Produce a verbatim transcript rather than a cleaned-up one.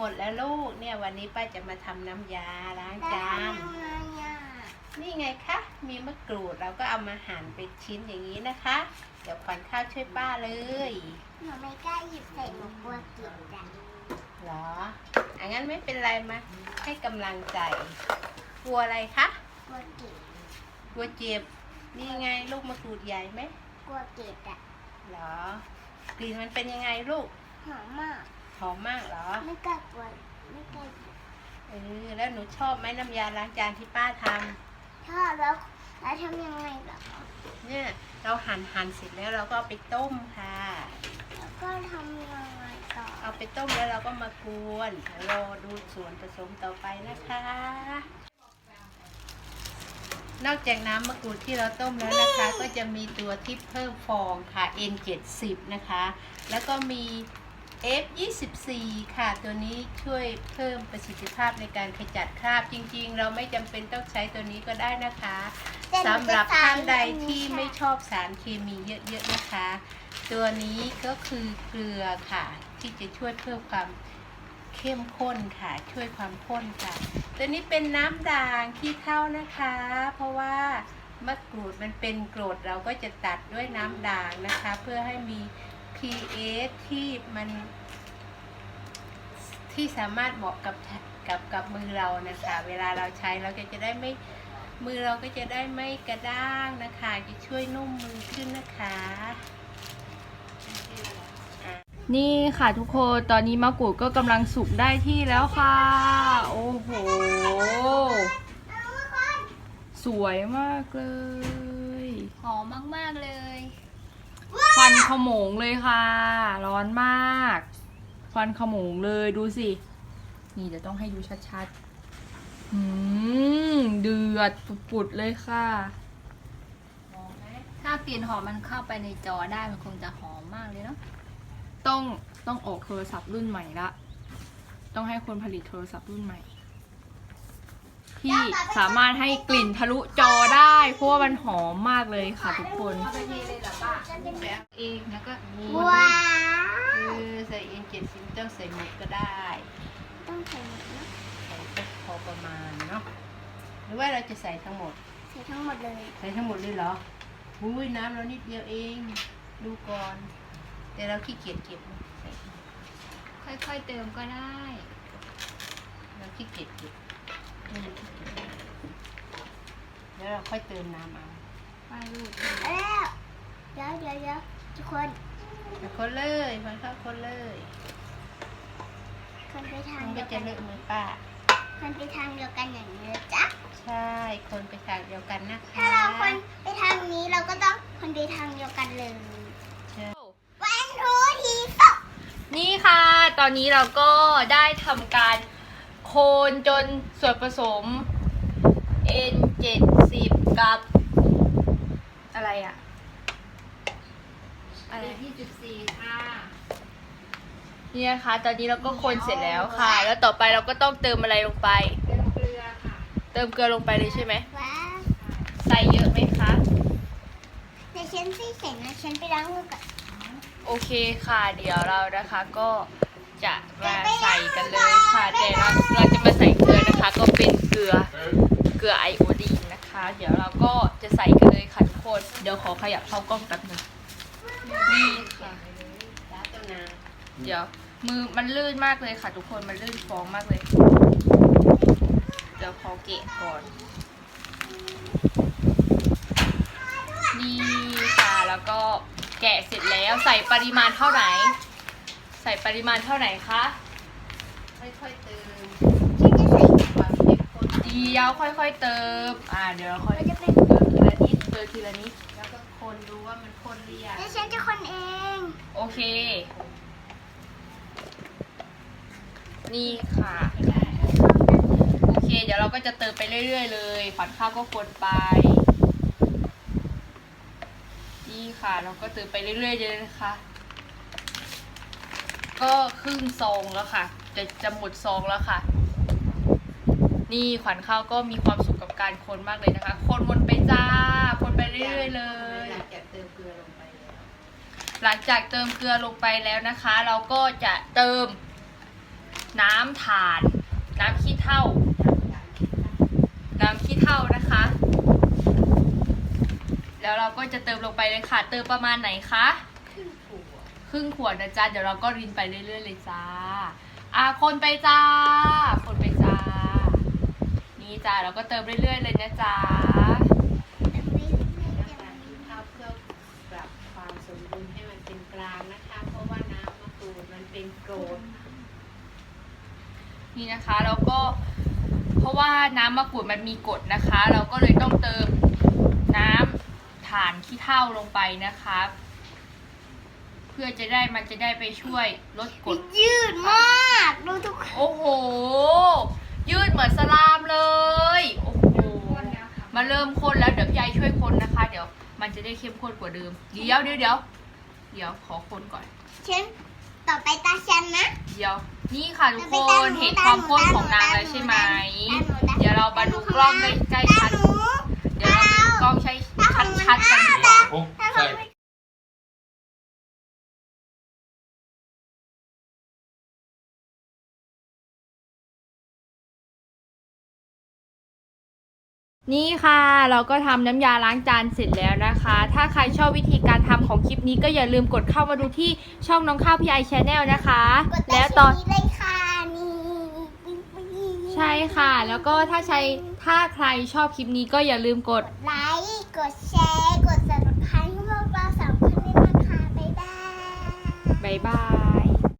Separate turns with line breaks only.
มดแล้วลูกเนี่ยวันนี้ป้าจะมาทำน้ำยาล้างจานนี่ไงคะมีมะกรูดเราก็เอามาหั่นเป็นชิ้นอย่างนี้นะคะเดี๋ยวขวัญข้าวช่วยป้าเลย
หนูไม่กล้าหยิบใส่หนูกลัวกินจ้ะ
เหรออ่ะงั้นไม่เป็นไรมาให้กำลังใจกลัวอะไรคะ
กลัวกิน
กลัวเจ็บนี่ไงลูกมะกรูดใหญ่ไหม
กลัวเก็บอ่ะ
เหรอกลิ่นมันเป็นยังไงลูก
หอมมาก
หอมมากเหรอ
ไม่กล้ากลัวไม่กล้า
เออแล้วหนูชอบไหมน้ำยาล้างจานที่ป้าท
ำชอบแล้วแล้วทำยังไงเหรอ
เนี่ยเราหั่นหั่นเสร็จแล้วเราก็เอาไปต้มค่ะ
แล้วก็ทำยังไงต่อ
เอาไปต้มแล้วเราก็มากวนรอดูส่วนผสมต่อไปนะคะนอกจากน้ำมะกรูดที่เราต้มแล้วนะคะก็จะมีตัวที่เพิ่มฟองค่ะ เอ็น เจ็ดสิบ นะคะแล้วก็มี เอฟ ยี่สิบสี่ ค่ะตัวนี้ช่วยเพิ่มประสิทธิภาพในการขจัดคราบจริงๆเราไม่จำเป็นต้องใช้ตัวนี้ก็ได้นะคะสำหรับท่านใดที่ไม่ชอบสารเคมีเยอะๆนะคะตัวนี้ก็คือเกลือค่ะที่จะช่วยเพิ่มความเข้มข้นค่ะช่วยความข้นค่ะตัวนี้เป็นน้ำด่างขี้เถ้านะคะเพราะว่ามะกรูดมันเป็นกรดเราก็จะตัดด้วยน้ำด่างนะคะเพื่อให้มี pH ที่มันที่สามารถเหมาะกับกับกับมือเรานะคะเวลาเราใช้เราก็จะได้ไม่มือเราก็จะได้ไม่กระด้างนะคะจะช่วยนุ่มมือขึ้นนะคะ
นี่ค่ะทุกคนตอนนี้มะกรูดก็กำลังสุกได้ที่แล้วค่ะโอ้โหสวยมากเลย
หอมมากๆเลย
ควันขโมงเลยค่ะร้อนมากควันขโมงเลยดูสินี่เดี๋ยวต้องให้ดูชัดๆอืมเดือดปุดๆเลยค่ะ
ถ้ากลิ่นหอมมันเข้าไปในจอได้มันคงจะหอมมากเลยเนาะ
ต้องต้องออกโทรศัพท์รุ่นใหม่ละต้องให้คนผลิตโทรศัพท์รุ่นใหม่ที่สามารถให้กลิ่นทะลุจอได้เพราะว่ามันหอมมากเลยค่ะทุกคน
เอาไปเทเลยเหรอป้าแบบเองแล้วก็นี่
ว้าว
คือใส่เอ็นเจ็ดสิบต้องใส่หมดก็ได้
ต้องใส่หมดนะ
ใส่พอประมาณเนาะหรือว่าเราจะใส่ทั้งหมด
ใส่ทั้งหมดเลย
ใส่ทั้งหมดเลยเหรออุ้ยน้ำเรานิดเดียวเองดูก่อนแต่เราขี้เกียจเก็บ
ค่อยๆเติมก็ได้
เราขี้เกียจเก็บแล้วเราค่อยเติมน้ำเอา
ไปลูกแล้วเดี๋ยวเดี๋ยวเดี๋ยวทุกคน
คนเลยมันเข้าคนเลย
คนไปทาง
มัน
เดี
ก็
ยว
จะ
กัน
เลอะมือป้า
คนไปทางเดียวกันอย่างนี้จ้ะ
ใช่คนไปทางเดียวกันนะคะ
ถ้าเราคนไปทางนี้เราก็ต้องคนไปทางเดียวกันเลย
ใช่
วันทูทีสอง
นี่ค่ะตอนนี้เราก็ได้ทำการโคนจนส่วนผสม เอ็น เจ็ดสิบ กับอะไรอะ
อะไรที่จุดสี่ค่ะ
นี่นะคะตอนนี้เราก็คนเสร็จแล้วค่ะ แล้วต่อไปเราก็ต้องเติมอะไรลงไป
เติมเกลือค่ะ
เติมเกลือลงไปเลยใช่ไหม
ว้า
ใส่เยอะไหมคะ
ในฉันที่เสร็จนะฉันไปล้างมือก่อน
โอเคค่ะเดี๋ยวเรานะคะก็จะมาใส่กันเลยค่ะแต่เราเราจะมาใส่เกลือนะคะก็เป็นเกลือเกลือไอโอดีนนะคะเดี๋ยวเราก็จะใส่กันเลยค่ะทุกคนเดี๋ยวขอขยับเข้ากล้องแป๊บนึงนี่ค่ะเดี๋ยวมือมันลื่นมากเลยค่ะทุกคนมันลื่นฟองมากเลยเดี๋ยวขอเกะก่อนนี่ค่ะแล้วก็แกะเสร็จแล้วใส่ปริมาณเท่าไหร่ใส่ปริมาณเท่าไหร่คะ
ค่อยๆเติม
ฉันจะใส่
ความเข้มข้น
เดี๋ยวค่อยๆเติมอ่าเดี๋ยวเราค่อย
มันจะเป็น
เติมทีละนิดเติมทีละนิด
แล้วก็คนดูว่ามันข้นหรือยัง
แล้วฉันจะคนเอง
โอเคนี่ค่ะโอเคเดี๋ยวเราก็จะเติมไปเรื่อยๆเลยฝันข้าวก็คนไปนี่ค่ะเราก็เติมไปเรื่อยๆเลยนะคะก็ครึ่งซองแล้วค่ะจะจะหมดซองแล้วค่ะนี่ขวัญข้าวก็มีความสุขกับการคนมากเลยนะคะคนวนไปจ้าคนไปเรื่อยๆเลย
หลังจากเติมเกลือลงไปแล้ว
หลังจากเติมเกลือลงไปแล้วนะคะเราก็จะเติมน้ำถ่าน น้ำขี้เถ้า น้ำขี้เถ้านะคะ แล้วเราก็จะเติมลงไปเลยค่ะ เติมประมาณไหนคะ ครึ่งขวดนะจ๊ะ เดี๋ยวเราก็รินไปเรื่อยๆเลยจ้า อ่ะคนไปจ้า คนไปจ้า นี่จ้าเราก็เติมเรื่อยๆเลยนะจ๊ะ
น้ำตาลที่เข้าเพื่อปรับความสมดุลให้มันเป็นกลางนะคะ เพราะว่าน้ำมะกรูดมันเป็นโกรด
นี่นะคะแล้วก็เพราะว่าน้ำมะกรูดมันมีกรดนะคะ เราก็เลยต้องเติมน้ำถ่านขี้เถ้าลงไปนะคะ เพื่อจะได้มันจะได้ไปช่วยลดกรด
ยืดมากดูทุกคน
โอ้โห ยืดเหมือนสลามเลยโอ้โหมาเริ่มคนแล้วเดี๋ยวยายช่วยคนนะคะ เดี๋ยวมันจะได้เข้มข้นกว่าเดิมเดี๋ยวเดี๋ยวเดี๋ยวเดี๋ยวขอคนก่อน
ฉันต่อไปตาฉันนะ
เดี๋ยวนี่ค่ะทุกคนเห็นความข้นของนางแล้วใช่ไหมเดี๋ยวเรามาดูกล้องใกล้ๆชัดเดี๋ยวเรามาดูกล้องใช้ชัดๆกันดีกว่า
Oh, sorry.
นี่ค่ะเราก็ทำน้ำยาล้างจานเสร็จแล้วนะคะ ถ้าใครชอบวิธีการทำของคลิปนี้ก็อย่าลืมกดเข้ามาดูที่ช่องน้องข้าวพี่ไอชแนลนะคะ
กด
แล้วตอน
นี้เลยค่ะนี่
ใช่ค่ะ แล้วก็ถ้าใครถ้าใครชอบคลิปนี้ก็อย่าลืมกด
ไลค์กดแชร์กด ซับสไครบ์ ให้พวกเราสามคนด้วยนะคะบ๊ายบาย
บ๊ายบาย